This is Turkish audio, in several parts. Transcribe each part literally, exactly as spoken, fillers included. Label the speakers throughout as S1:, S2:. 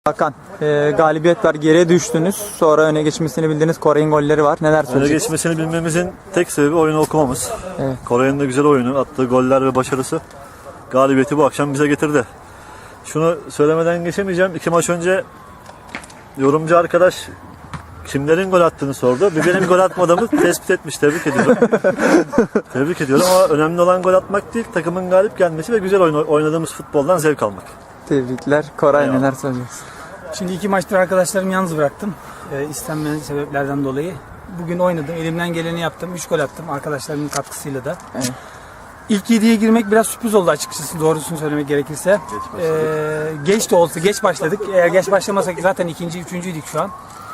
S1: Hakan, e, galibiyet var, geriye düştünüz. Sonra öne geçmesini bildiğiniz Koray'ın golleri var. Neler
S2: Öne
S1: söyleyeceksiniz?
S2: geçmesini bilmemizin tek sebebi oyunu okumamız.
S1: Evet.
S2: Koray'ın da güzel oyunu, attığı goller ve başarısı galibiyeti bu akşam bize getirdi. Şunu söylemeden geçemeyeceğim. İki maç önce yorumcu arkadaş kimlerin gol attığını sordu. Bir benim gol atmadığımı tespit etmiş. Tebrik ediyorum. Tebrik ediyorum ama önemli olan gol atmak değil, takımın galip gelmesi ve güzel oyun, oynadığımız futboldan zevk almak.
S1: Tebrikler. Koray,
S2: Eyvallah.
S1: neler söyleyeceksin?
S3: Şimdi iki maçtır arkadaşlarımı yalnız bıraktım. E, istenmeyen sebeplerden dolayı. Bugün oynadım. Elimden geleni yaptım. üç gol attım arkadaşlarımın katkısıyla da.
S1: Evet.
S3: İlk yediye girmek biraz sürpriz oldu açıkçası, doğrusunu söylemek gerekirse.
S2: Geç
S3: Ee, geç de olsa geç başladık. Eğer geç başlamasak zaten ikinci, üçüncüydük şu an.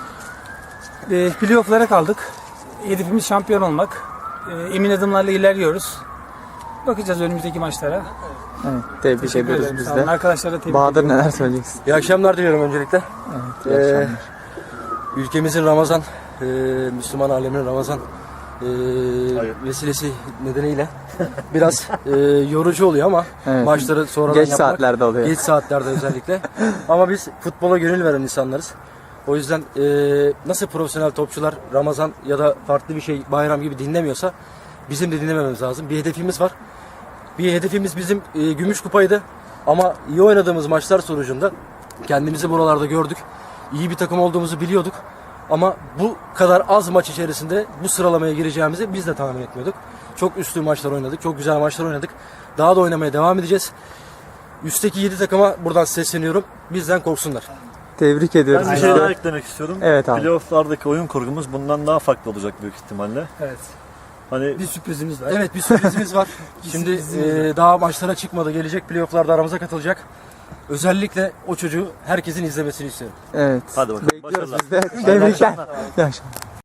S3: Ee, playoff'lara kaldık. Hedefimiz şampiyon olmak. Ee, emin adımlarla ilerliyoruz. Bakacağız önümüzdeki maçlara.
S1: Evet, tebrik
S3: Teşekkür
S1: ediyoruz
S3: ederim.
S1: biz
S3: Sağ olun.
S1: de.
S3: Arkadaşlara tebrik
S1: Bahadır,
S3: ediyorum.
S1: neler söyleyeceksin?
S4: İyi akşamlar diliyorum öncelikle.
S1: Evet, iyi
S4: Ee,
S1: akşamlar.
S4: Ülkemizin Ramazan, e, Müslüman aleminin Ramazan e, vesilesi nedeniyle biraz e, yorucu oluyor ama
S1: Evet.
S4: maçları sonradan
S1: Geç
S4: yapmak,
S1: saatlerde oluyor.
S4: geç saatlerde özellikle. Ama biz futbola gönül veren insanlarız. O yüzden e, nasıl profesyonel topçular Ramazan ya da farklı bir şey bayram gibi dinlemiyorsa bizim de dinlemememiz lazım. Bir hedefimiz var. Bir hedefimiz bizim e, gümüş kupaydı. Ama iyi oynadığımız maçlar sonucunda kendimizi buralarda gördük. İyi bir takım olduğumuzu biliyorduk. Ama bu kadar az maç içerisinde bu sıralamaya gireceğimizi biz de tahmin etmiyorduk. Çok üstün maçlar oynadık. Çok güzel maçlar oynadık. Daha da oynamaya devam edeceğiz. Üstteki yedi takıma buradan sesleniyorum. Bizden korksunlar.
S1: Tebrik ediyoruz.
S2: Ben bir
S1: biz
S2: şey
S1: de.
S2: daha eklemek istiyorum.
S1: Evet abi.
S2: Playoff'lardaki oyun kurgumuz bundan daha farklı olacak büyük ihtimalle.
S3: Evet.
S2: Hani
S3: Bir sürprizimiz var.
S4: Evet, bir sürprizimiz var. Şimdi e, daha maçlara çıkmadı. Gelecek playoff'larda aramıza katılacak. Özellikle o çocuğu herkesin izlemesini istiyorum.
S1: Evet.
S2: Hadi bakalım,
S1: Bekliyoruz
S2: başarılar.
S1: biz de. Tebrikler. İyi akşamlar.